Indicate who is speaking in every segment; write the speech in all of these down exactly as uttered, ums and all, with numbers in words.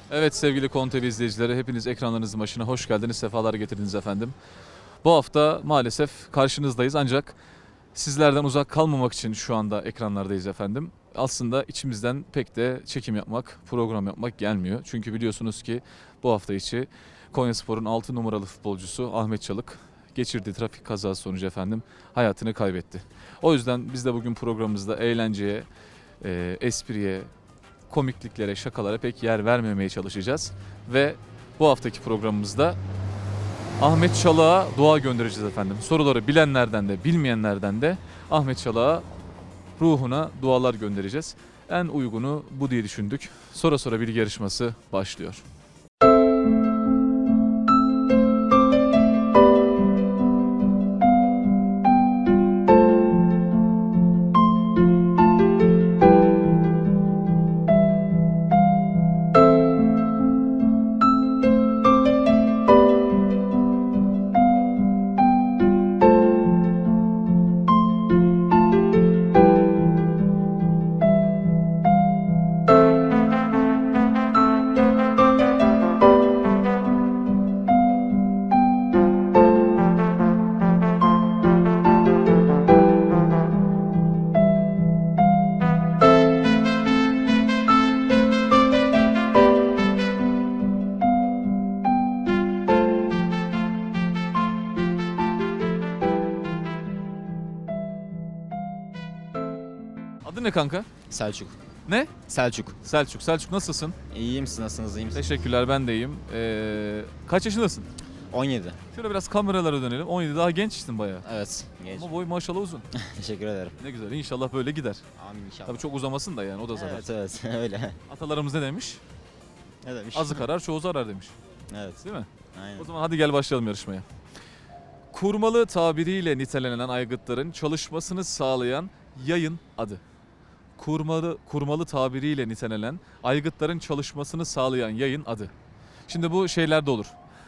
Speaker 1: Evet sevgili Konu T V izleyicileri, hepiniz ekranlarınızın başına hoş geldiniz, sefalar getirdiniz efendim. Bu hafta maalesef karşınızdayız ancak sizlerden uzak kalmamak için şu anda ekranlardayız efendim. Aslında içimizden pek de çekim yapmak, program yapmak gelmiyor. Çünkü biliyorsunuz ki bu hafta içi Konyaspor'un altı numaralı futbolcusu Ahmet Çalık geçirdiği trafik kazası sonucu efendim hayatını kaybetti. O yüzden biz de bugün programımızda eğlenceye, e, espriye, komikliklere, şakalara pek yer vermemeye çalışacağız. Ve bu haftaki programımızda Ahmet Çalık'a dua göndereceğiz efendim. Soruları bilenlerden de bilmeyenlerden de Ahmet Çalık'a ruhuna dualar göndereceğiz. En uygunu bu diye düşündük. Sonra sonra bilgi yarışması başlıyor. Adın ne kanka?
Speaker 2: Selçuk.
Speaker 1: Ne?
Speaker 2: Selçuk.
Speaker 1: Selçuk. Selçuk nasılsın?
Speaker 2: İyiyim, siz nasılsınız, iyi misiniz?
Speaker 1: Teşekkürler, ben de iyiyim. Ee, kaç yaşındasın?
Speaker 2: on yedi.
Speaker 1: Şöyle biraz kameralara dönelim. on yedi, daha gençsin bayağı.
Speaker 2: Evet. Genç.
Speaker 1: Ama boy maşallah uzun.
Speaker 2: Teşekkür ederim.
Speaker 1: Ne güzel, İnşallah böyle gider.
Speaker 2: Amin inşallah.
Speaker 1: Tabii çok uzamasın da yani, o da zarar.
Speaker 2: Evet evet öyle.
Speaker 1: Atalarımız ne demiş?
Speaker 2: Ne demiş?
Speaker 1: Azı karar çoğu zarar demiş.
Speaker 2: Evet.
Speaker 1: Değil mi?
Speaker 2: Aynen.
Speaker 1: O zaman hadi gel başlayalım yarışmaya. Kurmalı tabiriyle nitelenen aygıtların çalışmasını sağlayan yayın adı. Kurmalı kurmalı tabiriyle nitelenen aygıtların çalışmasını sağlayan yayın adı. Şimdi bu şeylerde olur.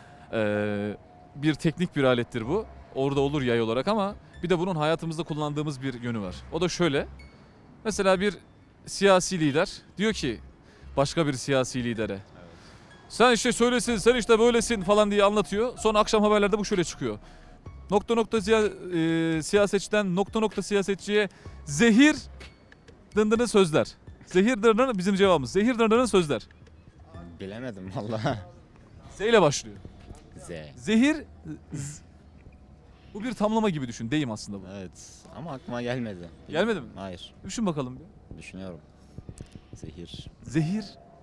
Speaker 1: Ee, bir teknik bir alettir bu. Orada olur yay olarak ama bir de bunun hayatımızda kullandığımız bir yönü var. O da şöyle. Mesela bir siyasi lider diyor ki başka bir siyasi lidere, sen işte söylesin, sen işte böylesin falan diye anlatıyor. Sonra akşam haberlerde bu şöyle çıkıyor. Nokta nokta siya- e, siyasetçiden nokta nokta siyasetçiye zehir dındırın sözler. Zehir dındırın bizim cevabımız. Zehir dındırın sözler.
Speaker 2: Bilemedim valla.
Speaker 1: Z ile başlıyor.
Speaker 2: Z.
Speaker 1: Zehir z- bu bir tamlama gibi düşün. Deyim aslında bu.
Speaker 2: Evet ama aklıma gelmedi.
Speaker 1: Gelmedi mi?
Speaker 2: Hayır.
Speaker 1: Düşün bakalım bir.
Speaker 2: Düşünüyorum. Zehir.
Speaker 1: Zehir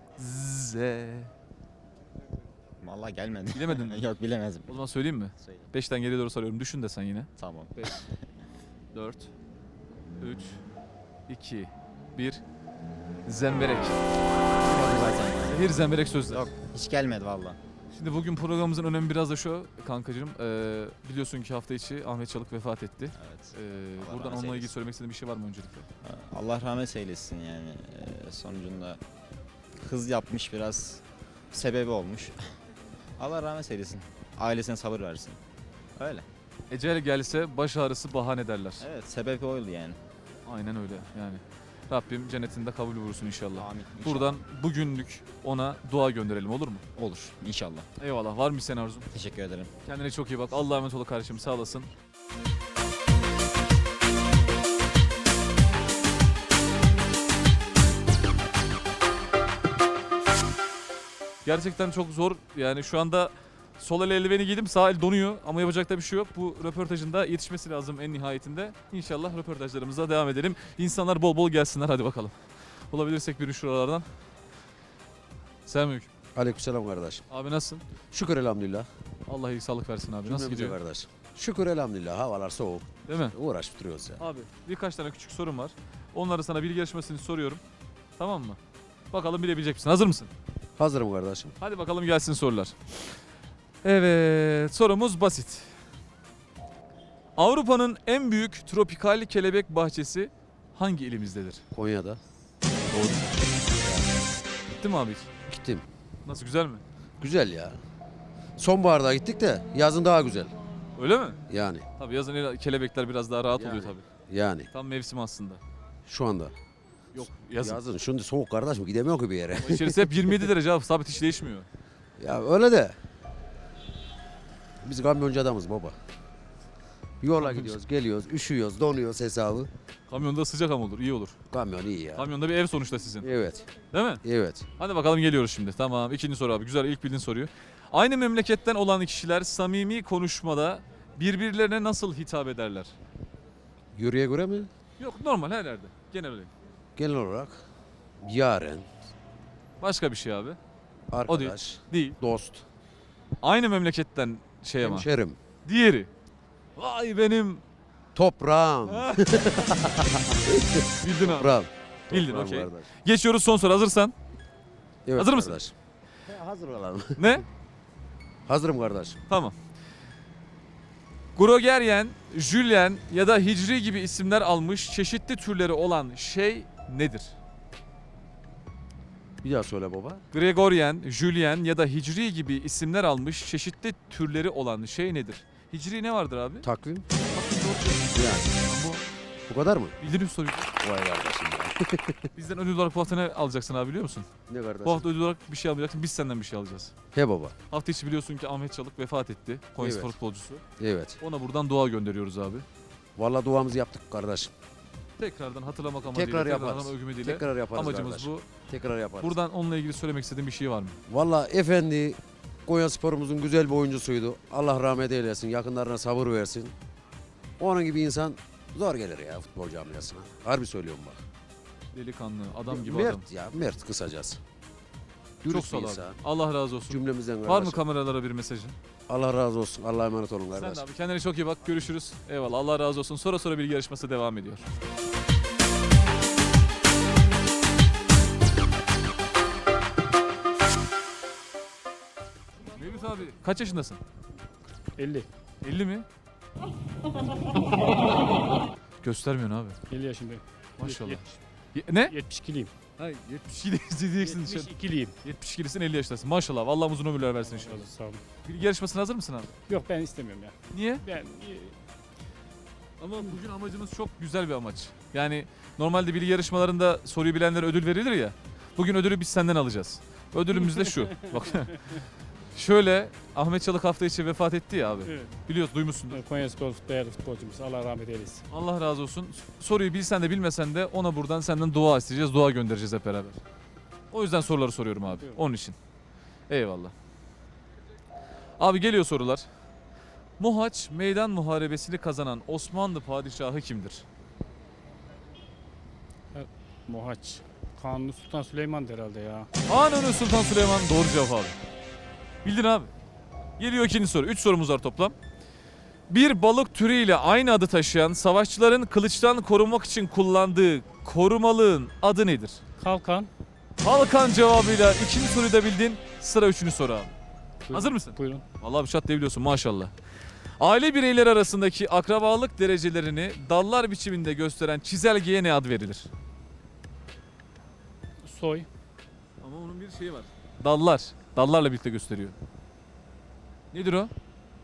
Speaker 1: z.
Speaker 2: Valla gelmedi.
Speaker 1: Bilemedin mi?
Speaker 2: Yok bilemedim.
Speaker 1: O zaman söyleyeyim mi?
Speaker 2: Söyle.
Speaker 1: beşten geriye doğru sarıyorum. Düşün de sen yine.
Speaker 2: Tamam.
Speaker 1: dört, üç, iki, bir. Zemberek. Zehir zemberek sözler.
Speaker 2: Yok hiç gelmedi valla.
Speaker 1: Şimdi bugün programımızın önemi biraz da şu kankacığım. Ee, biliyorsun ki hafta içi Ahmet Çalık vefat etti.
Speaker 2: Evet.
Speaker 1: Ee,
Speaker 2: Allah
Speaker 1: buradan
Speaker 2: rahmet
Speaker 1: onunla ilgili
Speaker 2: eylesin.
Speaker 1: söylemek istediğin bir şey var mı öncelikle?
Speaker 2: Allah rahmet eylesin yani. Ee, sonucunda hız yapmış biraz. Sebebi olmuş. Allah rahmet eylesin. Ailesine sabır versin. Öyle.
Speaker 1: Ecel gelse baş ağrısı bahane derler.
Speaker 2: Evet sebebi oydu yani.
Speaker 1: Aynen öyle yani. Rabbim cennetinde kabul buyursun inşallah.
Speaker 2: Amin. İnşallah.
Speaker 1: Buradan bugünlük ona dua gönderelim, olur mu?
Speaker 2: Olur inşallah.
Speaker 1: Eyvallah. Var mı senin arzun?
Speaker 2: Teşekkür ederim.
Speaker 1: Kendine çok iyi bak. Allah'a emanet ol kardeşim. Sağ olasın. Gerçekten çok zor. Yani şu anda sol el eldiveni giydim, sağ el donuyor ama yapacak da bir şey yok. Bu röportajın da yetişmesi lazım en nihayetinde. İnşallah röportajlarımıza devam edelim. İnsanlar bol bol gelsinler, hadi bakalım. Bulabilirsek biri şuralardan. Selamünaleyküm.
Speaker 3: Aleykümselam kardeş.
Speaker 1: Abi nasılsın?
Speaker 3: Şükür elhamdülillah.
Speaker 1: Allah iyilik sağlık versin abi. Nasıl
Speaker 3: Cümlemize
Speaker 1: gidiyor?
Speaker 3: kardeş? Şükür elhamdülillah. Havalar soğuk.
Speaker 1: Değil mi?
Speaker 3: Uğraşıp duruyoruz ya.
Speaker 1: Abi birkaç tane küçük sorum var. Onları sana bilgi yarışmasını soruyorum. Tamam mı? Bakalım bilebilecek misin? Hazır mısın?
Speaker 3: Hazırım kardeşim.
Speaker 1: Hadi bakalım gelsin sorular. Evet, sorumuz basit. Avrupa'nın en büyük tropikal kelebek bahçesi hangi ilimizdedir?
Speaker 3: Konya'da.
Speaker 1: Doğru. Gitti mi abi hiç?
Speaker 3: Gittim.
Speaker 1: Nasıl, güzel mi?
Speaker 3: Güzel ya. Sonbaharda gittik de yazın daha güzel.
Speaker 1: Öyle mi?
Speaker 3: Yani.
Speaker 1: Tabii yazın kelebekler biraz daha rahat
Speaker 3: Yani.
Speaker 1: oluyor tabii.
Speaker 3: Yani.
Speaker 1: Tam mevsim aslında.
Speaker 3: Şu anda.
Speaker 1: Yok yazın.
Speaker 3: Yazın. Şimdi soğuk kardeşim gidemiyor ki bir yere.
Speaker 1: Ama İçerisi hep yirmi yedi derece abi. Sabit hiç değişmiyor.
Speaker 3: Ya öyle de. Biz kamyoncu adamız baba. Yola
Speaker 1: Kamyoncu.
Speaker 3: gidiyoruz, geliyoruz, üşüyoruz, donuyoruz hesabı.
Speaker 1: Kamyonda sıcak ama olur. iyi olur.
Speaker 3: Kamyon iyi ya.
Speaker 1: Kamyonda bir ev sonuçta sizin.
Speaker 3: Evet,
Speaker 1: Değil mi?
Speaker 3: evet.
Speaker 1: Hadi bakalım geliyoruz şimdi. Tamam. İkinci soru abi. Güzel. İlk bildiğin soruyu. Aynı memleketten olan kişiler samimi konuşmada birbirlerine nasıl hitap ederler?
Speaker 3: Yürüye göre mi?
Speaker 1: Yok normal her yerde. Genel olarak.
Speaker 3: Genel olarak yaren,
Speaker 1: Başka bir şey abi.
Speaker 3: arkadaş,
Speaker 1: Değil.
Speaker 3: dost,
Speaker 1: Aynı memleketten şey ama.
Speaker 3: hemşerim,
Speaker 1: Diğeri. Vay benim.
Speaker 3: toprağım.
Speaker 1: Bildin abi.
Speaker 3: Toprağım.
Speaker 1: Bildin,
Speaker 3: Toprağım
Speaker 1: okey.
Speaker 3: kardeş.
Speaker 1: Geçiyoruz son soru. Hazırsan.
Speaker 3: Evet,
Speaker 1: Hazır mısın?
Speaker 3: kardeş. He, hazır olalım.
Speaker 1: Ne?
Speaker 3: Hazırım kardeş.
Speaker 1: Tamam. Grogeryen, Julien ya da Hicri gibi isimler almış çeşitli türleri olan şey nedir?
Speaker 3: Bir daha söyle baba.
Speaker 1: Gregorian, Julien ya da Hicri gibi isimler almış çeşitli türleri olan şey nedir? Hicri ne vardır abi?
Speaker 3: Takvim.
Speaker 1: Bu.
Speaker 3: Yani. Bu kadar mı?
Speaker 1: Bildiğiniz soruyu.
Speaker 3: Vay kardeşim ya.
Speaker 1: Bizden ödül olarak bu hafta ne alacaksın abi biliyor musun?
Speaker 3: Ne kardeşim?
Speaker 1: Bu hafta ödül olarak bir şey almayacaksın. Biz senden bir şey alacağız.
Speaker 3: He baba.
Speaker 1: Hafta içi biliyorsun ki Ahmet Çalık vefat etti. Konyaspor
Speaker 3: Evet.
Speaker 1: futbolcusu.
Speaker 3: Evet.
Speaker 1: Ona buradan dua gönderiyoruz abi.
Speaker 3: Vallahi duamızı yaptık kardeşim.
Speaker 1: Tekrardan hatırlamak amacıyla,
Speaker 3: Tekrar yaparız.
Speaker 1: hatırlamak ümidi ile
Speaker 3: Tekrar yaparız
Speaker 1: amacımız
Speaker 3: kardeş.
Speaker 1: bu.
Speaker 3: Tekrar yaparız.
Speaker 1: Buradan onunla ilgili söylemek istediğin bir şey var mı?
Speaker 3: Vallahi efendi Konya Spor'umuzun güzel bir oyuncusuydu. Allah rahmet eylesin. Yakınlarına sabır versin. Onun gibi insan zor gelir ya futbol camiasına. Harbi söylüyorum bak.
Speaker 1: Delikanlı, adam gibi
Speaker 3: mert
Speaker 1: adam.
Speaker 3: ya, mert kısacası.
Speaker 1: Çok
Speaker 3: Dürüst
Speaker 1: sağ
Speaker 3: bir
Speaker 1: ol abi.
Speaker 3: insan.
Speaker 1: Allah razı olsun.
Speaker 3: Cümlemizden
Speaker 1: Var mı
Speaker 3: kardeşim.
Speaker 1: kameralara bir mesajın?
Speaker 3: Allah razı olsun. Allah'a emanet olun
Speaker 1: Sen
Speaker 3: kardeş.
Speaker 1: de abi kendine çok iyi bak. Görüşürüz. Eyvallah. Allah razı olsun. Sonra sonra bilgi yarışması devam ediyor. Mevlüt abi kaç yaşındasın?
Speaker 4: elli.
Speaker 1: elli mi? Göstermiyorsun abi.
Speaker 4: elli yaşındayım.
Speaker 1: Maşallah.
Speaker 4: Yetmiş-
Speaker 1: Ye- ne?
Speaker 4: yetmiş ikiliyim.
Speaker 1: Hayır yetmiş iki diyeceksin.
Speaker 4: yetmiş ikiliyim.
Speaker 1: yetmiş ikilisin elli yaşındasın. Maşallah. Allah uzun ömürler versin inşallah.
Speaker 4: İnşallah sağ olun.
Speaker 1: Bilgi yarışmasına hazır mısın abi?
Speaker 4: Yok ben istemiyorum ya.
Speaker 1: Niye?
Speaker 4: Ben e,
Speaker 1: Ama bugün amacımız çok güzel bir amaç. Yani normalde bilgi yarışmalarında soruyu bilenlere ödül verilir ya. Bugün ödülü biz senden alacağız. Ödülümüz de şu. Bak. Şöyle Ahmet Çalık hafta içi vefat etti ya abi.
Speaker 4: evet,
Speaker 1: Biliyorsun duymuşsundur.
Speaker 4: Konyaspor değerli futbolcumuz. Allah rahmet eylesin.
Speaker 1: Allah razı olsun. Soruyu bilsen de bilmesen de ona buradan senden dua isteyeceğiz. Dua göndereceğiz hep beraber. O yüzden soruları soruyorum abi.
Speaker 4: Buyurun.
Speaker 1: Onun için. Eyvallah. Abi geliyor sorular. Mohaç Meydan Muharebesi'ni kazanan Osmanlı padişahı kimdir?
Speaker 4: Mohaç. Kanuni Sultan Süleyman herhalde ya.
Speaker 1: Kanuni Sultan Süleyman doğru cevap abi. Bildin abi. Geliyor ikinci soru. Üç sorumuz var toplam. Bir balık türüyle aynı adı taşıyan savaşçıların kılıçtan korunmak için kullandığı korumalığın adı nedir?
Speaker 4: Kalkan.
Speaker 1: Halkan cevabıyla ikinci soruyu da bildin. Sıra üçüncü soru abi.
Speaker 4: Buyurun.
Speaker 1: Hazır mısın?
Speaker 4: Buyurun.
Speaker 1: Vallahi bir şat diyebiliyorsun maşallah. Aile bireyleri arasındaki akrabalık derecelerini dallar biçiminde gösteren çizelgeye ne ad verilir?
Speaker 4: Soy.
Speaker 1: Ama onun bir şeyi var. Dallar. Dallarla birlikte gösteriyor. Nedir o?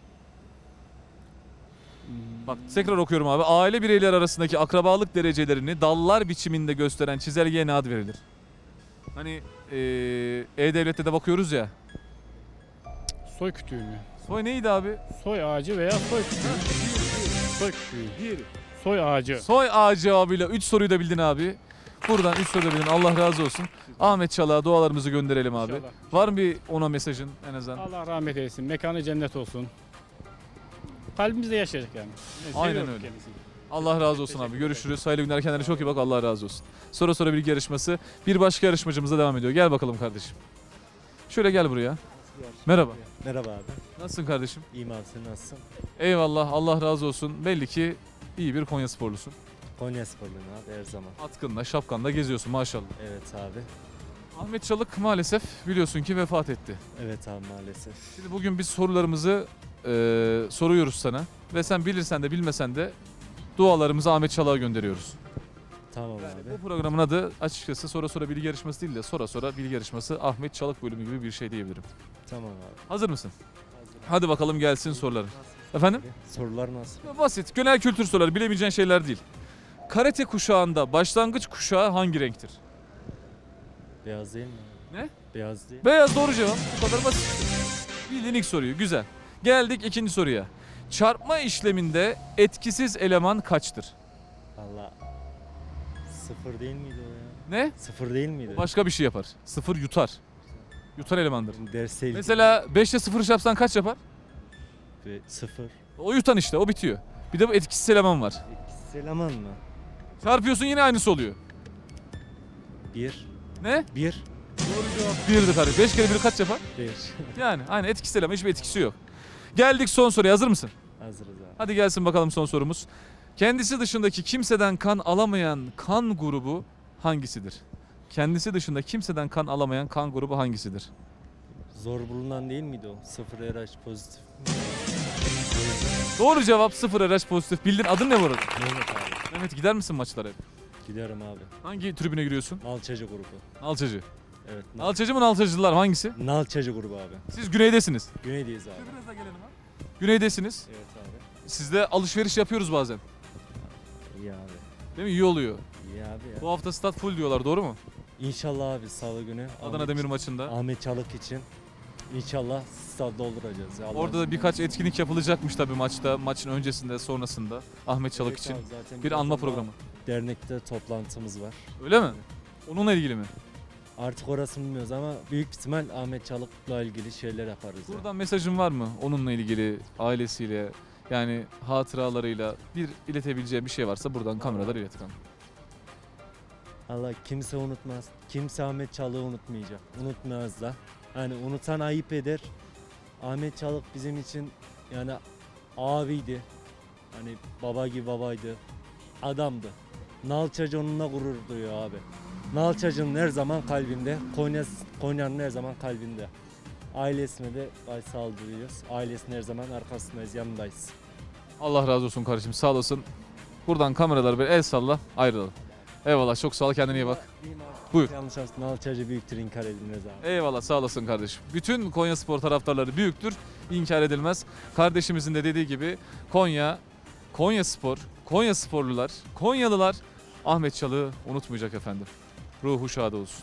Speaker 1: Bak tekrar okuyorum abi. Aile bireyleri arasındaki akrabalık derecelerini dallar biçiminde gösteren çizelgeye ne ad verilir? Hani eee, E-Devlet'te de bakıyoruz ya.
Speaker 4: Soy kütüğü mü?
Speaker 1: Soy neydi abi?
Speaker 4: Soy ağacı veya soy kütüğü. Soy kütüğü.
Speaker 1: Diğeri.
Speaker 4: Soy ağacı.
Speaker 1: Soy ağacı cevabıyla üç soruyu da bildin abi. Buradan üç soruyu da bildin. Allah razı olsun. Ahmet Çalık'a dualarımızı gönderelim abi.
Speaker 4: İnşallah.
Speaker 1: Var mı bir ona mesajın en azından?
Speaker 4: Allah rahmet eylesin. Mekanı cennet olsun. Kalbimizde yaşayacak yani.
Speaker 1: Aynen
Speaker 4: Seviyorum
Speaker 1: öyle.
Speaker 4: kendisini.
Speaker 1: Allah razı olsun abi. Görüşürüz. Hayırlı günler. Kendine çok iyi bak. Allah razı olsun. Sonra sonra bilgi yarışması. Bir başka yarışmacımıza devam ediyor. Gel bakalım kardeşim. Şöyle gel buraya. Merhaba.
Speaker 5: Merhaba abi.
Speaker 1: Nasılsın kardeşim?
Speaker 5: İyiyim abi, sen nasılsın?
Speaker 1: Eyvallah. Allah razı olsun. Belli ki iyi bir Konya sporlusun.
Speaker 5: Konya sporluyum abi her zaman.
Speaker 1: Atkınla, şapkanla geziyorsun maşallah.
Speaker 5: Evet abi.
Speaker 1: Ahmet Çalık maalesef biliyorsun ki vefat etti.
Speaker 5: Evet abi maalesef.
Speaker 1: Şimdi bugün biz sorularımızı e, soruyoruz sana. Ve sen bilirsen de bilmesen de dualarımızı Ahmet Çalık'a gönderiyoruz.
Speaker 5: Tamam
Speaker 1: Bu
Speaker 5: abi.
Speaker 1: programın adı açıkçası sonra sonra bilgi yarışması değil de sonra sonra bilgi yarışması Ahmet Çalık bölümü gibi bir şey diyebilirim.
Speaker 5: Tamam abi.
Speaker 1: Hazır mısın? Hadi bakalım gelsin soruların. Efendim?
Speaker 5: Sorular nasıl?
Speaker 1: Basit, genel kültür soruları, bilemeyeceğin şeyler değil. karate kuşağında başlangıç kuşağı hangi renktir?
Speaker 5: Beyaz değil mi?
Speaker 1: Ne?
Speaker 5: Beyaz değil.
Speaker 1: Beyaz doğru cevap. Bu kadar basit. Bildiğin ilk soruyu. Güzel. Geldik ikinci soruya. Çarpma işleminde etkisiz eleman kaçtır?
Speaker 5: Valla sıfır değil miydi o ya?
Speaker 1: Ne?
Speaker 5: Sıfır değil miydi?
Speaker 1: Başka bir şey yapar. Sıfır yutar. Yutar elemandır.
Speaker 5: Derse ilgili.
Speaker 1: Mesela beşte sıfır yapsan kaç yapar?
Speaker 5: Ve sıfır.
Speaker 1: O yutan işte, o bitiyor. Bir de bu etkisiz eleman var.
Speaker 5: Etkisiz eleman mı?
Speaker 1: Çarpıyorsun yine aynısı oluyor.
Speaker 5: Bir.
Speaker 1: Ne?
Speaker 5: Bir.
Speaker 1: Birdi kardeşim. Beş kere bir kaç yapar?
Speaker 5: Bir.
Speaker 1: Yani aynı etkisiz eleman, hiçbir etkisi yok. Geldik son soruya, hazır mısın?
Speaker 5: Hazırız abi.
Speaker 1: Hadi gelsin bakalım son sorumuz. Kendisi dışındaki kimseden kan alamayan kan grubu hangisidir? Kendisi dışında kimseden kan alamayan kan grubu hangisidir?
Speaker 5: Zor bulunan değil miydi o? Sıfır R H pozitif.
Speaker 1: Doğru cevap sıfır R H pozitif. Bildin, adın ne bu arada?
Speaker 5: Mehmet abi.
Speaker 1: Mehmet, gider misin maçlara hep?
Speaker 5: Giderim abi.
Speaker 1: Hangi tribüne giriyorsun?
Speaker 5: Nalçacı grubu.
Speaker 1: Nalçacı.
Speaker 5: Evet. Nal-
Speaker 1: Nalçacı mı Nalçacılar mı, hangisi?
Speaker 5: Nalçacı grubu abi.
Speaker 1: Siz güneydesiniz.
Speaker 5: Güneydeyiz abi.
Speaker 1: Güneydesiniz.
Speaker 5: Evet abi.
Speaker 1: Sizde alışveriş yapıyoruz bazen.
Speaker 5: İyi abi.
Speaker 1: Değil mi? İyi oluyor.
Speaker 5: İyi abi ya.
Speaker 1: Bu hafta stat full diyorlar, doğru mu?
Speaker 5: İnşallah abi salı günü.
Speaker 1: Adana
Speaker 5: Ahmet-
Speaker 1: Demir maçında.
Speaker 5: Ahmet Çalık için inşallah stad dolduracağız. Ya. Allah'ın
Speaker 1: Orada da
Speaker 5: izniyle.
Speaker 1: birkaç etkinlik yapılacakmış tabii maçta. Maçın öncesinde, sonrasında. Ahmet Çalık
Speaker 5: Evet
Speaker 1: için.
Speaker 5: abi, zaten
Speaker 1: Bir
Speaker 5: biraz
Speaker 1: anma
Speaker 5: sonra
Speaker 1: programı.
Speaker 5: Dernekte toplantımız var.
Speaker 1: Öyle mi? Onunla ilgili mi?
Speaker 5: Artık orasını bilmiyoruz ama büyük ihtimal Ahmet Çalık'la ilgili şeyler yaparız. ya.
Speaker 1: Buradan mesajın var mı? Onunla ilgili, ailesiyle, yani hatıralarıyla bir iletebileceği bir şey varsa buradan kameralar ilet kanka.
Speaker 5: Allah kimse unutmaz. Kimse Ahmet Çalık'ı unutmayacak. Unutmaz da. Yani unutan ayıp eder. Ahmet Çalık bizim için yani abiydi. Hani baba gibi babaydı. Adamdı. Nalçacı onunla gurur duyuyor abi. Nalçacı'nın her zaman kalbinde. Konya, Konya'nın her zaman kalbinde. Ailesine de başsağlığı diliyoruz. Ailesinin her zaman arkasındayız, yanındayız.
Speaker 1: Allah razı olsun kardeşim, sağ olasın. Buradan kameralar bir el salla, ayrılalım. Eyvallah, çok sağ ol, kendine iyi bak. Buyur.
Speaker 5: Yanlış aslında Nalçacı büyüktür, inkar edilmez abi.
Speaker 1: Eyvallah, sağ olasın kardeşim. Bütün Konya Spor taraftarları büyüktür, inkar edilmez. Kardeşimizin de dediği gibi Konya, Konya Spor, Konya Sporlular, Konyalılar Ahmet Çalık'ı unutmayacak efendim. Ruhu şad olsun.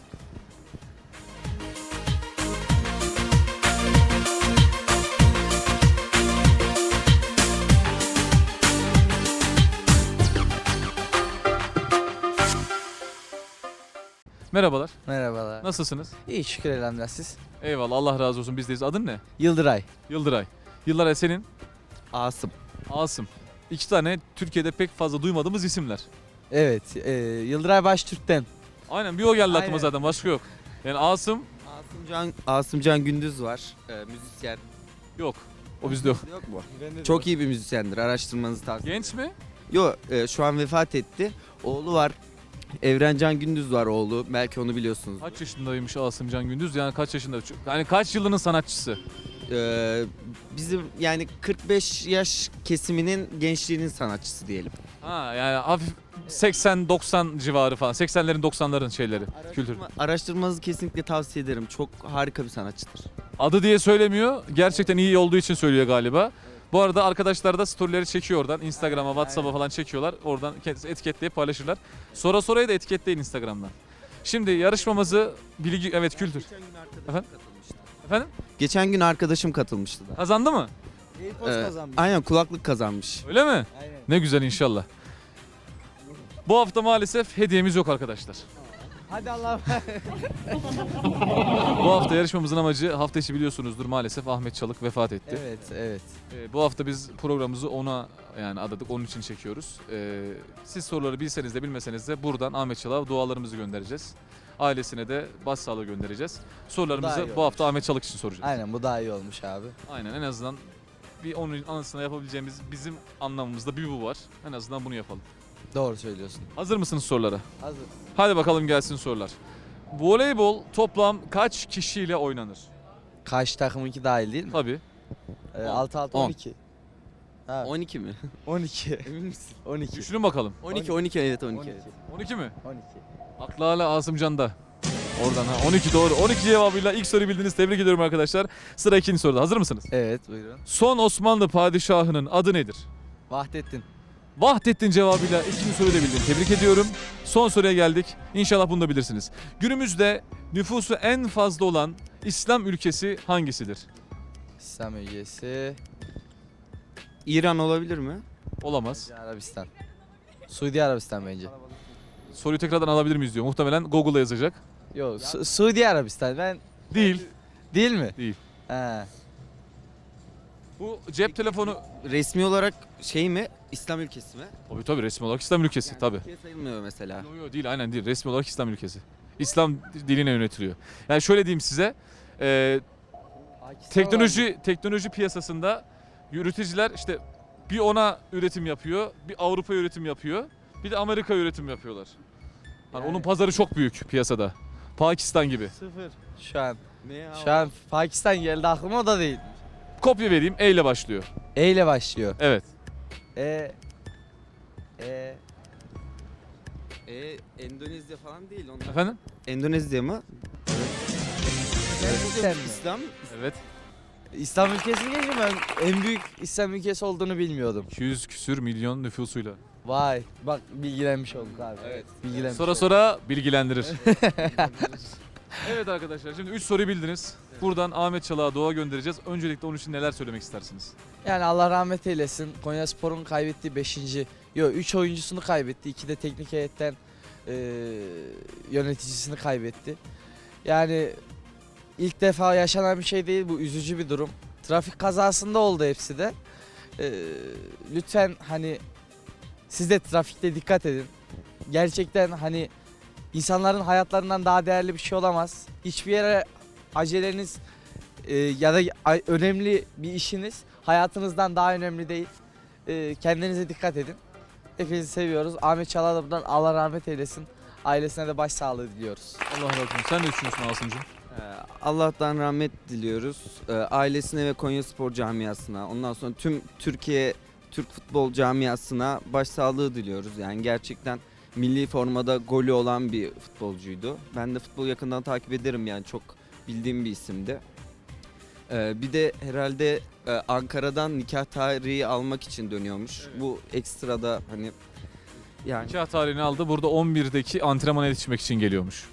Speaker 1: Merhabalar,
Speaker 6: Merhabalar.
Speaker 1: nasılsınız?
Speaker 6: İyi şükür elhamdülillah siz.
Speaker 1: Eyvallah, Allah razı olsun, bizdeyiz. Adın ne?
Speaker 6: Yıldıray.
Speaker 1: Yıldıray. Yıldıray senin?
Speaker 6: Asım.
Speaker 1: Asım. İki tane Türkiye'de pek fazla duymadığımız isimler.
Speaker 6: Evet. E, Yıldıray Baştürk'ten.
Speaker 1: Aynen, bir o geldi aklıma
Speaker 6: Aynen.
Speaker 1: zaten, başka yok. Yani Asım
Speaker 7: Asımcan, Asımcan Gündüz var. Ee, müzisyen.
Speaker 1: yok. O bizde yok.
Speaker 7: Yok mu? Çok iyi bir müzisyendir. Araştırmanızı tavsiye ederim.
Speaker 1: Genç mi?
Speaker 7: Yok, e, şu an vefat etti. Oğlu var. Evrencan Gündüz var oğlu. Belki onu biliyorsunuz.
Speaker 1: Kaç yaşındaymış Asım Can Gündüz? Yani kaç yaşında? Yani kaç yılının sanatçısı?
Speaker 7: Ee, bizim yani kırk beş yaş kesiminin gençliğinin sanatçısı diyelim.
Speaker 1: Ha, yani hafif seksen doksan civarı falan. seksenlerin doksanların şeyleri. Kültür.
Speaker 7: Araştırma, araştırmanızı kesinlikle tavsiye ederim. Çok harika bir sanatçıdır.
Speaker 1: Adı diye söylemiyor. Gerçekten iyi olduğu için söylüyor galiba. Bu arada arkadaşlar da storyleri çekiyor oradan. Instagram'a, WhatsApp'a falan çekiyorlar. Oradan kendisi etiketleyip paylaşırlar. Sonra sorayı da etiketleyin Instagram'dan. Şimdi yarışmamızı bilgi, evet, kültür.
Speaker 7: Geçen gün arkadaşım
Speaker 1: Efendim?
Speaker 7: katılmıştı.
Speaker 1: Efendim?
Speaker 7: Geçen gün arkadaşım katılmıştı da.
Speaker 1: Kazandı mı?
Speaker 7: Ee, aynen, kulaklık kazanmış.
Speaker 1: Öyle mi?
Speaker 6: Aynen.
Speaker 1: Ne güzel, inşallah. Bu hafta maalesef hediyemiz yok arkadaşlar.
Speaker 6: Hadi Allah.
Speaker 1: Bu hafta yarışmamızın amacı, hafta içi biliyorsunuzdur, maalesef Ahmet Çalık vefat etti.
Speaker 6: evet, evet.
Speaker 1: Ee, bu hafta biz programımızı ona yani adadık, onun için çekiyoruz. Ee, siz soruları bilseniz de bilmeseniz de buradan Ahmet Çalık'a dualarımızı göndereceğiz. Ailesine de başsağlığı göndereceğiz.
Speaker 6: Daha iyi
Speaker 1: Sorularımızı bu
Speaker 6: olmuş.
Speaker 1: hafta Ahmet Çalık için soracağız.
Speaker 6: Aynen, bu daha iyi olmuş abi.
Speaker 1: Aynen, en azından bir onun anısına yapabileceğimiz bizim anlamımızda bir bu var. En azından bunu yapalım.
Speaker 6: Doğru söylüyorsun.
Speaker 1: Hazır mısınız sorulara?
Speaker 6: Hazır.
Speaker 1: Hadi bakalım, gelsin sorular. Voleybol toplam kaç kişiyle oynanır?
Speaker 6: Karşı takımınki dahil değil mi?
Speaker 1: Tabii.
Speaker 6: Ee, altı altı
Speaker 7: On.
Speaker 6: on iki. Ha,
Speaker 7: on iki mi?
Speaker 6: on iki.
Speaker 7: Emin misin?
Speaker 6: on iki.
Speaker 1: Düşünün bakalım.
Speaker 7: on iki, on iki, evet on iki. Evet.
Speaker 1: on iki mi?
Speaker 6: on iki.
Speaker 1: Aklı hala Asımcan'da. Oradan ha. on iki doğru. on iki cevabıyla ilk soruyu bildiniz. Tebrik ediyorum arkadaşlar. Sıra ikinci soruda. Hazır mısınız?
Speaker 6: Evet, buyurun.
Speaker 1: Son Osmanlı padişahının adı nedir?
Speaker 6: Vahdettin.
Speaker 1: Vahdettin cevabıyla ikinci soruyu da bildin. Tebrik ediyorum. Son soruya geldik. İnşallah bunu da bilirsiniz. Günümüzde nüfusu en fazla olan İslam ülkesi hangisidir?
Speaker 6: İslam ülkesi.
Speaker 7: İran olabilir mi?
Speaker 1: Olamaz.
Speaker 6: Suudi Arabistan. Suudi Arabistan bence.
Speaker 1: Soruyu tekrardan alabilir miyiz diyor. Muhtemelen Google'a yazacak.
Speaker 6: Yok Su- Suudi Arabistan. Ben
Speaker 1: Değil.
Speaker 6: değil mi?
Speaker 1: Değil.
Speaker 6: He.
Speaker 1: Bu cep telefonu...
Speaker 7: Resmi olarak şey mi? İslam ülkesi mi?
Speaker 1: Tabii tabii resmi olarak İslam ülkesi
Speaker 7: Yani
Speaker 1: tabii.
Speaker 7: Türkiye sayılmıyor mesela.
Speaker 1: Yok yok değil aynen değil. Resmi olarak İslam ülkesi. İslam diline yönetiliyor. Yani şöyle diyeyim size. e, teknoloji teknoloji piyasasında yürüticiler işte bir ona üretim yapıyor, bir Avrupa üretim yapıyor, bir de Amerika üretim yapıyorlar. Hani
Speaker 6: Yani-
Speaker 1: onun pazarı çok büyük piyasada. Pakistan gibi.
Speaker 6: Sıfır. Şu an.
Speaker 7: Ne ya?
Speaker 6: Şu an Pakistan geldi aklıma, o da değil.
Speaker 1: Kopya vereyim. E ile başlıyor.
Speaker 6: E ile başlıyor.
Speaker 1: Evet.
Speaker 6: E. E.
Speaker 7: E, Endonezya falan değil onlar.
Speaker 1: Efendim?
Speaker 7: Endonezya mı?
Speaker 6: Gerçekten mi?
Speaker 7: İslam.
Speaker 1: Evet.
Speaker 6: İslam ülkesini geçiyorum, ben en büyük İslam ülkesi olduğunu bilmiyordum.
Speaker 1: iki yüz küsür milyon nüfusuyla.
Speaker 6: Vay bak, bilgilenmiş olduk abi.
Speaker 7: Evet.
Speaker 6: Bilgilenmiş
Speaker 1: Sonra
Speaker 6: olduk.
Speaker 1: sonra bilgilendirir. Evet arkadaşlar şimdi üç soruyu bildiniz. Buradan Ahmet Çalık'a dua göndereceğiz. Öncelikle onun için neler söylemek istersiniz?
Speaker 6: Yani Allah rahmet eylesin. Konyaspor'un kaybettiği beşinci Yok üç oyuncusunu kaybetti. iki de teknik heyetten e, yöneticisini kaybetti. Yani ilk defa yaşanan bir şey değil bu, üzücü bir durum. Trafik kazasında oldu hepsi de. E, lütfen hani siz de trafikte dikkat edin. Gerçekten hani insanların hayatlarından daha değerli bir şey olamaz. Hiçbir yere aceleniz e, ya da a- önemli bir işiniz hayatınızdan daha önemli değil. E, kendinize dikkat edin. Hepinizi seviyoruz. Ahmet Çalık'a da buradan Allah rahmet eylesin. Ailesine de başsağlığı diliyoruz.
Speaker 1: Allah razı olsun. Sen ne düşünüyorsun Asım'cığım?
Speaker 7: Ee, Allah'tan rahmet diliyoruz. Ee, Ailesine ve Konyaspor camiasına, ondan sonra tüm Türkiye Türk futbol camiasına başsağlığı diliyoruz. Yani gerçekten milli formada golü olan bir futbolcuydu. Ben de futbol yakından takip ederim, yani çok bildiğim bir isimdi. Ee, bir de herhalde e, Ankara'dan nikah tarihi almak için dönüyormuş. Bu ekstrada hani yani
Speaker 1: Nikah tarihini aldı. Burada on birdeki antrenmana yetişmek için geliyormuş.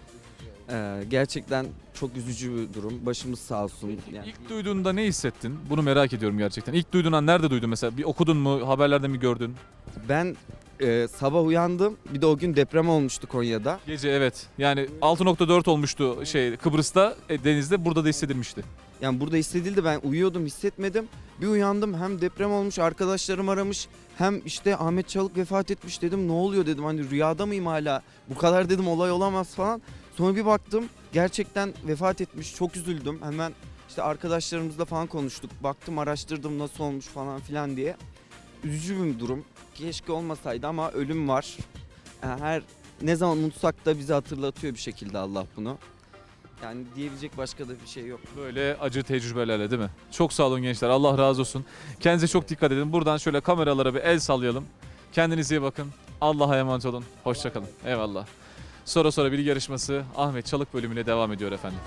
Speaker 7: e, gerçekten çok üzücü bir durum. Başımız sağ olsun. Yani
Speaker 1: İlk duyduğunda ne hissettin? Bunu merak ediyorum gerçekten. İlk duyduğun an nerede duydun mesela? Bir okudun mu? Haberlerde mi gördün?
Speaker 7: ben e, sabah uyandım. Bir de o gün deprem olmuştu Konya'da.
Speaker 1: Gece evet. Yani altı nokta dört olmuştu şey Kıbrıs'ta, e, denizde. Burada da hissedilmişti.
Speaker 7: Yani burada hissedildi, ben uyuyordum, hissetmedim. Bir uyandım, hem deprem olmuş, arkadaşlarım aramış, hem işte Ahmet Çalık vefat etmiş, dedim ne oluyor dedim, hani rüyada mıyım hala, bu kadar dedim olay olamaz falan. Sonra bir baktım gerçekten vefat etmiş, çok üzüldüm. Hemen işte arkadaşlarımızla falan konuştuk, baktım araştırdım nasıl olmuş falan filan diye. Üzücü bir durum, keşke olmasaydı ama ölüm var. Yani her ne zaman unutsak da bizi hatırlatıyor bir şekilde Allah bunu. Yani diyebilecek başka da bir şey yok.
Speaker 1: Böyle acı tecrübelerle değil mi? Çok sağ olun gençler. Allah razı olsun. Kendinize çok dikkat edin. Buradan şöyle kameralara bir el sallayalım. Kendinize iyi bakın. Allah'a emanet olun. Hoşçakalın. Eyvallah. Sonra sonra bilgi yarışması Ahmet Çalık bölümüne devam ediyor efendim.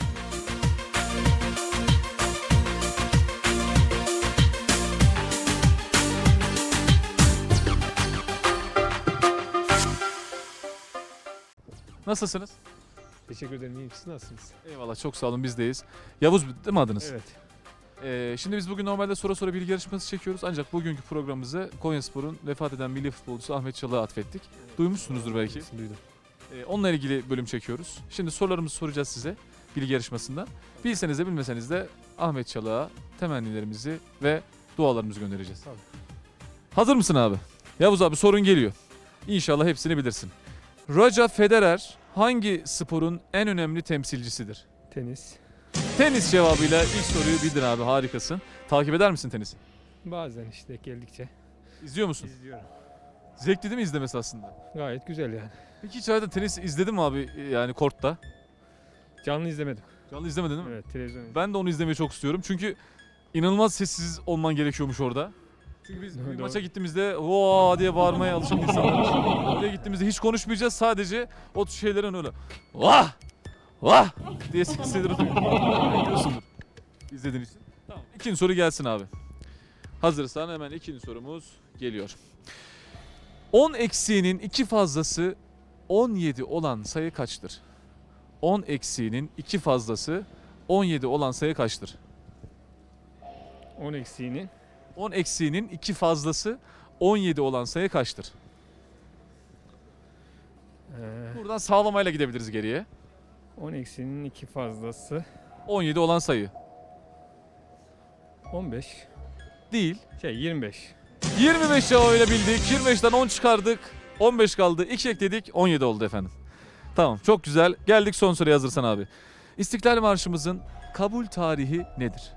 Speaker 1: Nasılsınız?
Speaker 8: Teşekkür ederim. İyiyim. Siz nasılsınız?
Speaker 1: Eyvallah çok sağ olun bizdeyiz. Yavuz değil mi adınız?
Speaker 8: Evet.
Speaker 1: Ee, şimdi biz bugün normalde soru soru bilgi yarışması çekiyoruz. Ancak bugünkü programımızı Konyaspor'un vefat eden milli futbolcusu Ahmet Çalık'a atfettik. Duymuşsunuzdur belki.
Speaker 8: Duydum.
Speaker 1: Ee, onunla ilgili bölüm çekiyoruz. Şimdi sorularımızı soracağız size bilgi yarışmasında. Bilseniz de bilmeseniz de Ahmet Çalık'a temennilerimizi ve dualarımızı göndereceğiz.
Speaker 8: Tabii.
Speaker 1: Hazır mısın abi? Yavuz abi sorun geliyor. İnşallah hepsini bilirsin. Roger Federer hangi sporun en önemli temsilcisidir?
Speaker 8: Tenis.
Speaker 1: Tenis cevabıyla ilk soruyu bildin abi, harikasın. Takip eder misin tenisi?
Speaker 8: Bazen işte geldikçe
Speaker 1: İzliyor musun?
Speaker 8: izliyorum.
Speaker 1: Zevkli değil mi izlemesi aslında?
Speaker 8: Gayet güzel yani.
Speaker 1: Peki hiç hayatında tenis izledin mi abi yani kortta?
Speaker 8: Canlı izlemedim.
Speaker 1: Canlı izlemedin değil mi?
Speaker 8: Evet, televizyon izledim.
Speaker 1: Ben de onu izlemeyi çok istiyorum çünkü inanılmaz sessiz olman gerekiyormuş orada. Çünkü biz bir
Speaker 8: Doğru.
Speaker 1: maça gittiğimizde vaa diye bağırmaya alışan insanlarız. Oraya gittiğimizde hiç konuşmayacağız, sadece o şeylerin öyle vah vah diye sesleri duyuyorsundur izlediğin için. Tamam, ikinci soru gelsin abi. Hazırsan hemen ikinci sorumuz Geliyor. on eksiğinin iki fazlası on yedi olan sayı kaçtır? on eksiğinin iki fazlası on yedi olan sayı kaçtır?
Speaker 8: on eksiğinin
Speaker 1: on eksiğinin iki fazlası on yedi olan sayı kaçtır?
Speaker 8: eee,
Speaker 1: Buradan sağlamayla gidebiliriz geriye.
Speaker 8: on eksiğinin iki fazlası
Speaker 1: on yedi olan sayı.
Speaker 8: on beş.
Speaker 1: Değil.
Speaker 8: Şey yirmi beş.
Speaker 1: yirmi beş cevabıyla bildik. yirmi beşten on çıkardık. on beş kaldı. iki ekledik. on yedi oldu efendim. Tamam, çok güzel. Geldik son soruya, hazırsan abi. İstiklal Marşımızın kabul tarihi nedir?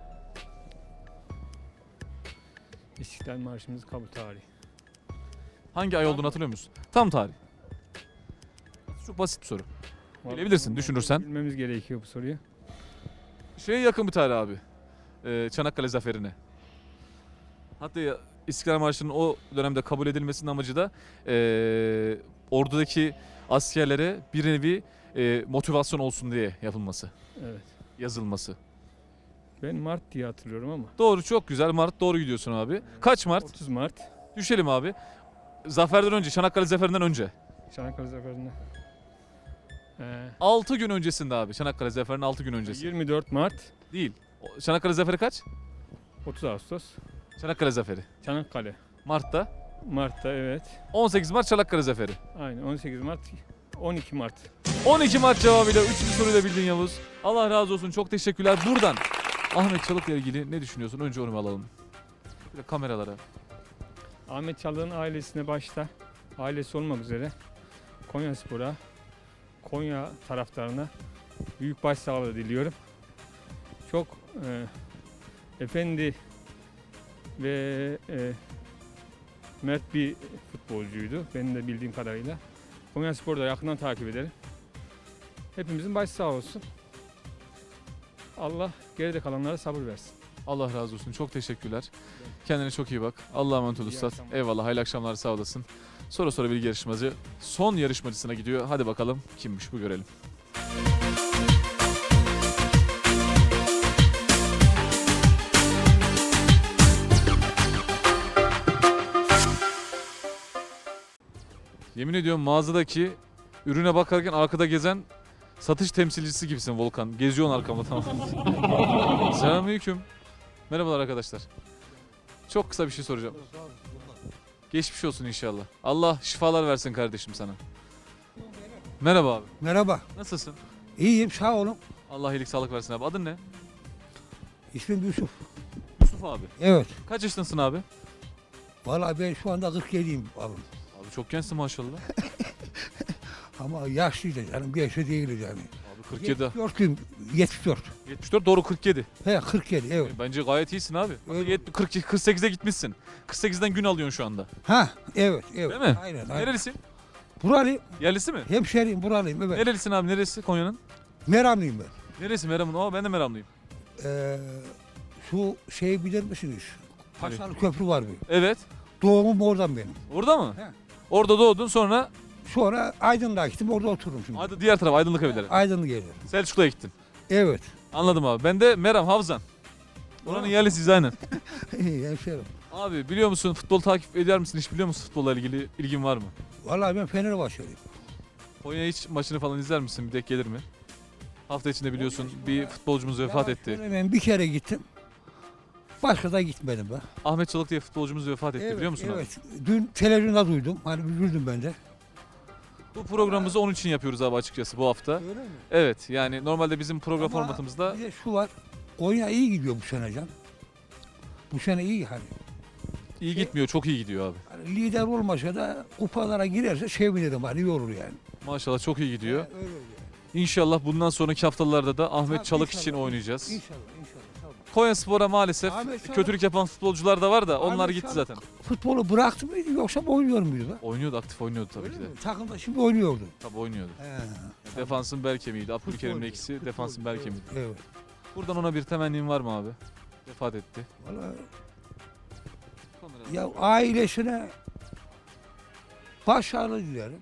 Speaker 8: İstiklal Marşımız kabul tarihi.
Speaker 1: Hangi ay olduğunu hatırlıyor musun? Tam tarih. Çok basit bir soru. Bilebilirsin, düşünürsen.
Speaker 8: Bilmemiz gerekiyor bu soruyu.
Speaker 1: Şeye yakın bir tarih abi. Ee, Çanakkale Zaferi'ne. Hatta ya, İstiklal Marşı'nın o dönemde kabul edilmesinin amacı da ee, ordudaki askerlere bir nevi ee, motivasyon olsun diye yapılması,
Speaker 8: Evet.
Speaker 1: yazılması.
Speaker 8: Ben Mart diye hatırlıyorum ama.
Speaker 1: Doğru, çok güzel. Mart, doğru gidiyorsun abi. Kaç Mart?
Speaker 8: otuz Mart.
Speaker 1: Düşelim abi. Zaferden önce, Çanakkale Zaferi'nden önce.
Speaker 8: Çanakkale Zaferi'nde. Eee,
Speaker 1: altı gün öncesinde abi. Çanakkale Zaferi'nin altı gün öncesi.
Speaker 8: yirmi dört Mart.
Speaker 1: Değil. O- Çanakkale Zaferi kaç?
Speaker 8: otuz Ağustos.
Speaker 1: Çanakkale Zaferi.
Speaker 8: Çanakkale.
Speaker 1: Mart'ta.
Speaker 8: Mart'ta evet.
Speaker 1: on sekiz Mart Çanakkale Zaferi.
Speaker 8: Aynen on sekiz Mart. on iki Mart.
Speaker 1: on iki Mart cevabıyla üçüncü soruyu da bildin Yavuz. Allah razı olsun. Çok teşekkürler. Buradan Ahmet Çalık'la ilgili ne düşünüyorsun? Önce onu alalım. Bir de kameralara.
Speaker 8: Ahmet Çalık'ın ailesine başta, ailesi olmak üzere Konyaspor'a, Konya taraftarına büyük başsağlığı diliyorum. Çok e, efendi ve e, mert bir futbolcuydu benim de bildiğim kadarıyla. Konyaspor'u da yakından takip ederim. Hepimizin başı sağ olsun. Allah geride kalanlara sabır versin.
Speaker 1: Allah razı olsun. Çok teşekkürler. Kendine çok iyi bak. Allah'a emanet ol
Speaker 8: İyi
Speaker 1: Üstad.
Speaker 8: akşamlar.
Speaker 1: Eyvallah. Hayırlı akşamlar. Sağ olasın. Sonra sonra bilgi yarışmacı son yarışmacısına gidiyor. Hadi bakalım kimmiş bu, görelim. Yemin ediyorum mağazadaki ürüne bakarken arkada gezen satış temsilcisi gibisin Volkan. Geziyorsun arkamda, tamam. Selamünaleyküm. Merhabalar arkadaşlar. Çok kısa bir şey soracağım. Geçmiş olsun inşallah. Allah şifalar versin kardeşim sana. Merhaba abi.
Speaker 9: Merhaba.
Speaker 1: Nasılsın?
Speaker 9: İyiyim sağ olun.
Speaker 1: Allah iyilik sağlık versin abi. Adın ne?
Speaker 9: İsmim Yusuf.
Speaker 1: Yusuf abi.
Speaker 9: Evet.
Speaker 1: Kaç yaşındasın abi?
Speaker 9: Vallahi ben şu anda kırk yediyim abi.
Speaker 1: Abi çok gençsin maşallah.
Speaker 9: Ama yaşlıydı canım. Genç de değiliz yani.
Speaker 1: Abi kırk yedi.
Speaker 9: yetmiş dörtlüyüm. yetmiş dört.
Speaker 1: yetmiş dört doğru kırk yedi.
Speaker 9: He kırk yedi evet.
Speaker 1: Bence gayet iyisin abi.
Speaker 9: Öyle.
Speaker 1: Yet- kırk, kırk sekize gitmişsin. kırk sekizden gün alıyorsun şu anda.
Speaker 9: Ha evet evet.
Speaker 1: Değil mi?
Speaker 9: Aynen aynen.
Speaker 1: Nerelisin?
Speaker 9: Buralıyım.
Speaker 1: Yerlisi mi?
Speaker 9: Hemşeriyim buralıyım evet.
Speaker 1: Nerelisin abi? Neresi Konya'nın?
Speaker 9: Meramlıyım ben.
Speaker 1: Neresi Meram'ın? Aa ben de Meramlıyım.
Speaker 9: Ee, şu şeyi bilir misiniz?
Speaker 1: Hani?
Speaker 9: Paşalı Köprü var bir.
Speaker 1: Evet.
Speaker 9: Doğumum oradan benim.
Speaker 1: Orada mı?
Speaker 9: He.
Speaker 1: Orada doğdun, sonra
Speaker 9: Sonra Aydın'da gittim orada otururum şimdi.
Speaker 1: hadi diğer taraf Aydınlık evleri.
Speaker 9: Aydın'ı gelir.
Speaker 1: Selçuklu'ya gittin.
Speaker 9: Evet.
Speaker 1: Anladım abi. Ben de Meram, Havzan. Oranın
Speaker 9: Aa.
Speaker 1: yerlisiyiz aynen.
Speaker 9: İyi hemşerim.
Speaker 1: Abi biliyor musun, futbol takip eder misin? Hiç biliyor musun, futbolla ilgili ilgin var mı?
Speaker 9: Vallahi ben Fenerbahçeliyim.
Speaker 1: Konya hiç maçını falan izler misin? Bir denk gelir mi? Hafta içinde biliyorsun bir futbolcumuz vefat
Speaker 9: Yalan
Speaker 1: etti.
Speaker 9: söylemeyeyim, bir kere gittim. Başka da gitmedim ben.
Speaker 1: Ahmet Çalık diye futbolcumuz vefat etti, biliyor musun abi?
Speaker 9: Evet. Dün televizyonda duydum. Hani üzüldüm ben de.
Speaker 1: Bu programımızı onun için yapıyoruz abi açıkçası bu hafta.
Speaker 9: Öyle mi?
Speaker 1: Evet, yani normalde bizim program
Speaker 9: Ama
Speaker 1: formatımızda
Speaker 9: bir de şu var. Konya iyi gidiyor bu sene can. Bu sene iyi hani.
Speaker 1: iyi gitmiyor, çok iyi gidiyor abi.
Speaker 9: Hani lider olmasa da kupalara girerse sevinirim hani iyi olur yani.
Speaker 1: Maşallah çok iyi gidiyor.
Speaker 9: Öyle oluyor.
Speaker 1: İnşallah bundan sonraki haftalarda da Ahmet
Speaker 9: Tabii,
Speaker 1: Çalık
Speaker 9: inşallah,
Speaker 1: için oynayacağız.
Speaker 9: İnşallah inşallah. Tamam.
Speaker 1: Konyaspor'a maalesef
Speaker 9: Ahmet Çalık-
Speaker 1: kötülük yapan futbolcular da var da onlar
Speaker 9: Ahmet
Speaker 1: gitti
Speaker 9: Çalık
Speaker 1: zaten.
Speaker 9: Futbolu bıraktı mıydı yoksa oynuyor muydu? be?
Speaker 1: Oynuyordu, aktif oynuyordu tabii
Speaker 9: Öyle
Speaker 1: ki de.
Speaker 9: mi? Takımda şimdi oynuyordu.
Speaker 1: Tabii oynuyordu.
Speaker 9: He.
Speaker 1: Defansın bel kemiğiydi. Abdülkerim'le
Speaker 9: Futbolcu,
Speaker 1: ikisi
Speaker 9: futbolcu,
Speaker 1: defansın bel
Speaker 9: evet,
Speaker 1: kemiğiydi.
Speaker 9: Evet.
Speaker 1: Buradan ona bir temennin var mı abi? Vefat etti.
Speaker 9: Vallahi ya ailesine başarılı dilerim.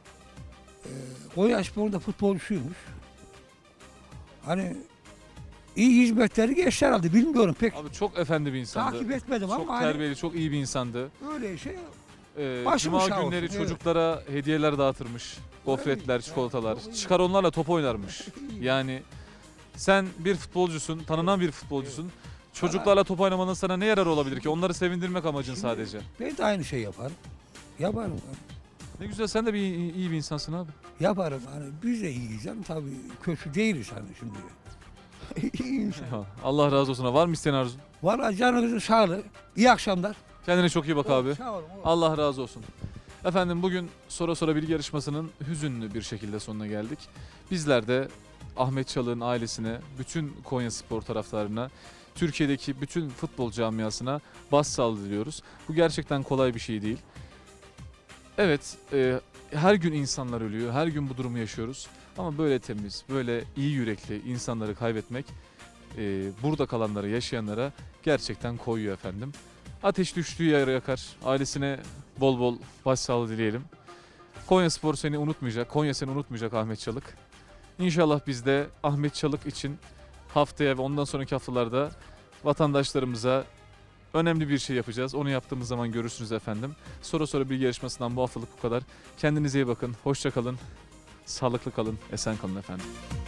Speaker 9: Ee, Konyaspor'da futbolcusuymuş. Hani iyi hizmetleri geçti herhalde. Bilmiyorum pek.
Speaker 1: Abi çok efendi bir insandı.
Speaker 9: Takip etmedim
Speaker 1: Çok
Speaker 9: ama hani
Speaker 1: terbiyeli, çok iyi bir insandı.
Speaker 9: öyle şey.
Speaker 1: Ee,
Speaker 9: Başımız
Speaker 1: Cuma
Speaker 9: sağ
Speaker 1: günleri
Speaker 9: olsun, evet.
Speaker 1: çocuklara hediyeler dağıtırmış. Gofretler, çikolatalar. Çıkar onlarla top oynarmış. Yani sen bir futbolcusun, tanınan bir futbolcusun. Çocuklarla top oynamanın sana ne yararı olabilir ki? Onları sevindirmek amacın sadece.
Speaker 9: Ben de aynı şey yaparım. Yaparım.
Speaker 1: Ne güzel, sen de bir iyi, iyi bir insansın abi.
Speaker 9: Yaparım. Hani biz de iyiyiz canım tabii. Kötü değiliz hani şimdi. İyi insan.
Speaker 1: Ya, Allah razı olsun. Var mı isteyen arzun?
Speaker 9: Valla canınızın sağlığı. İyi akşamlar.
Speaker 1: Kendine çok iyi bak abi.
Speaker 9: Sağ olun.
Speaker 1: Allah razı olsun. Efendim bugün Sora Sora Bilgi yarışmasının hüzünlü bir şekilde sonuna geldik. Bizler de Ahmet Çalık'ın ailesine, bütün Konyaspor taraftarına, Türkiye'deki bütün futbol camiasına başsağlığı diliyoruz. Bu gerçekten kolay bir şey değil. Evet, e, her gün insanlar ölüyor, her gün bu durumu yaşıyoruz. Ama böyle temiz, böyle iyi yürekli insanları kaybetmek, e, burada kalanlara, yaşayanlara gerçekten koyuyor efendim. Ateş düştüğü yere yakar. Ailesine bol bol başsağlığı dileyelim. Konyaspor seni unutmayacak. Konya seni unutmayacak Ahmet Çalık. İnşallah biz de Ahmet Çalık için haftaya ve ondan sonraki haftalarda vatandaşlarımıza önemli bir şey yapacağız. Onu yaptığımız zaman görürsünüz efendim. Sonra sonra bilgi yarışmasından bu haftalık bu kadar. Kendinize iyi bakın. Hoşça kalın. Sağlıklı kalın. Esen kalın efendim.